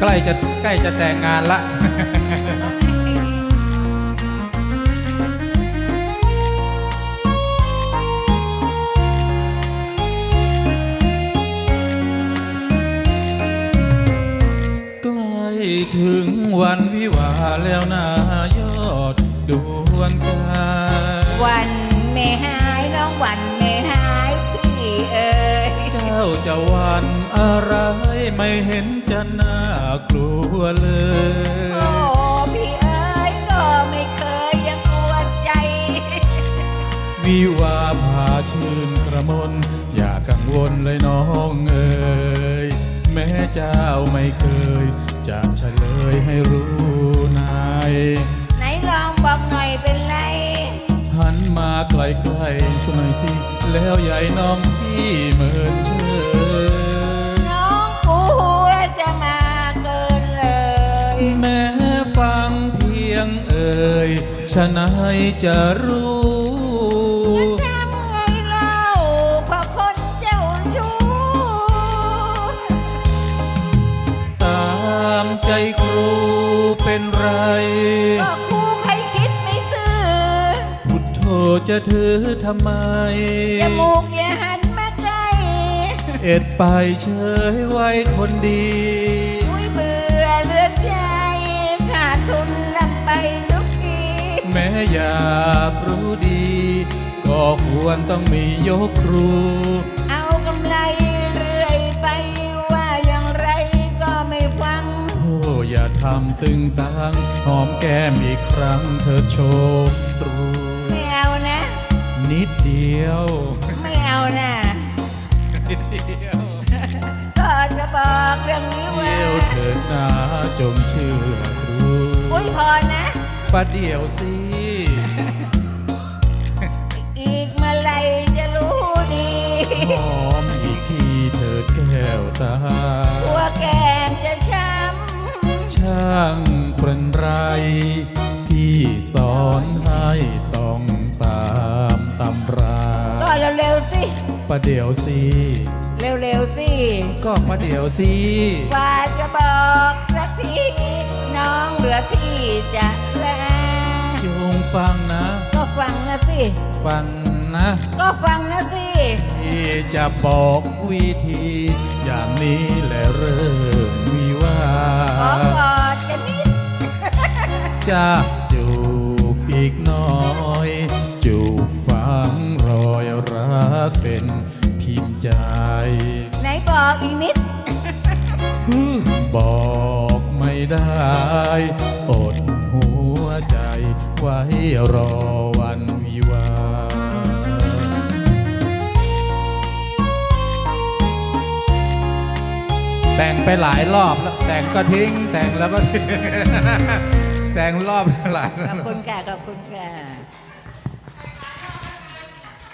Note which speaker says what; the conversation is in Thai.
Speaker 1: ล้จะแต่งงานละใกล้ถึงวันวิวาแล้วนายอดดวงใจ
Speaker 2: วันไม่หายน้องวันไม่หายพี่เอ๋ย
Speaker 1: เจ้าจะวันอะไรไม่เห็นจะน่ากลัวเลย
Speaker 2: โอ้พี่เอ๋ยก็ไม่เคยยังกลัวใจ
Speaker 1: วิวาพาชื่นกระมนอย่ากังวลเลยน้องเอ๋ยแม้เจ้าไม่เคยจะเฉลยให้รู้นาย
Speaker 2: ไหนลองบอกหน่อยเป็นไร
Speaker 1: หันมาใกล้ๆสักหน่อยสิแล้วใหญ่น้องพี่เหมือนเชย
Speaker 2: น้องกูจะมาเกินเลย
Speaker 1: แม้ฟังเพียงเอ่ยฉะนั้นจะรู้
Speaker 2: ทำไงเล่าเพราะคนเจ้าชู้
Speaker 1: ตามใจครูเป็นไร
Speaker 2: ก็ครูใครคิดไม่ซื่อ
Speaker 1: พุทโธจะถือทำไม
Speaker 2: จมูกอย่าหันมาใกล้
Speaker 1: เอ็ดไปเฉยไว้คนดี
Speaker 2: อุ้ยเบื่อเลือดใจขาดทุนลำไปทุกที
Speaker 1: แม้อยากรู้ดีก็ควรต้องมียกครู
Speaker 2: เอากำไรเรื่อยไปว่าอย่างไรก็ไม่ฟัง
Speaker 1: โอ้อย่าทำตึงตังหอมแก้มอีกครั้งเธอโชคตรู
Speaker 2: ไม่เอานะ
Speaker 1: นิดเดียว
Speaker 2: ไม่เอานะ
Speaker 1: นิดเดียว
Speaker 2: ก็จะบอกเรื่องนี้ว่า
Speaker 1: เดี๋ยวเถิดนะจงเชื่อครู
Speaker 2: อุ้ยพอนะ
Speaker 1: ประเดี๋ยวสิ
Speaker 2: อีกเมื่อไรจะรู้ดี
Speaker 1: หอมอีกทีเถิดแก้วตา
Speaker 2: ตัวแกงจะช้ำ
Speaker 1: ช่างเป็นไรพี่สอนให้ต้องตามตำรา
Speaker 2: ก็เร็วๆสิ
Speaker 1: ประเดี๋ยวสิ
Speaker 2: เร็วๆสิ
Speaker 1: ก็ประเดี๋ยวสิ
Speaker 2: ว่าจะบอกสักทีน้องเหลือที่จะแล
Speaker 1: จงฟังนะ
Speaker 2: ก็ฟังนะสิ
Speaker 1: ฟังนะ
Speaker 2: ก็ฟังนะสิ
Speaker 1: ที่จะบอกวิธีอย่างนี้แหละเริ่มวิวา
Speaker 2: ขอกอดกันนิด
Speaker 1: จะจูบอีกน้อยจูบฝังรอยรักเป็นพิมพ์ใจ
Speaker 2: ไหนบอกอีกนิด
Speaker 1: บอกไม่ได้อดหัวใจไว้รอวันวิวาแต่งไปหลายรอบแล้วแต่งก็ทิ้งแต่งแล้วก็ทิ้งแต่งรอบหลาย
Speaker 2: ขอบคุณค่ะขอบคุณค่ะ